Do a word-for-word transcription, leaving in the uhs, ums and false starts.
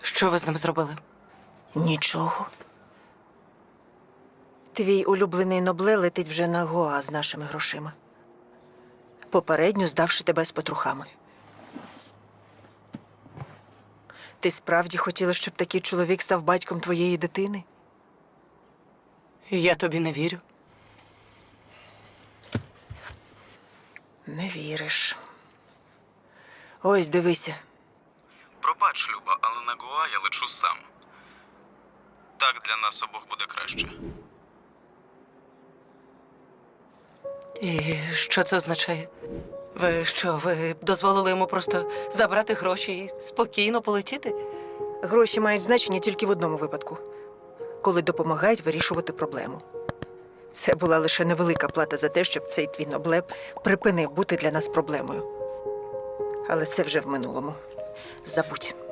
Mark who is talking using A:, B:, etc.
A: Що ви з ним зробили?
B: Нічого. Твій улюблений Нобле летить вже на Гоа з нашими грошима. Попередньо здавши тебе з петрухами. Ти справді хотіла, щоб такий чоловік став батьком твоєї дитини?
A: Я тобі не вірю.
B: Не віриш. Ось, дивися.
C: Пробач, Люба, але на Гоа я лечу сам. Так для нас обох буде краще.
A: І що це означає? Ви що, ви дозволили йому просто забрати гроші і спокійно полетіти?
B: Гроші мають значення тільки в одному випадку. Коли допомагають вирішувати проблему. Це була лише невелика плата за те, щоб цей твій Нобле припинив бути для нас проблемою. Але це вже в минулому. Забудь.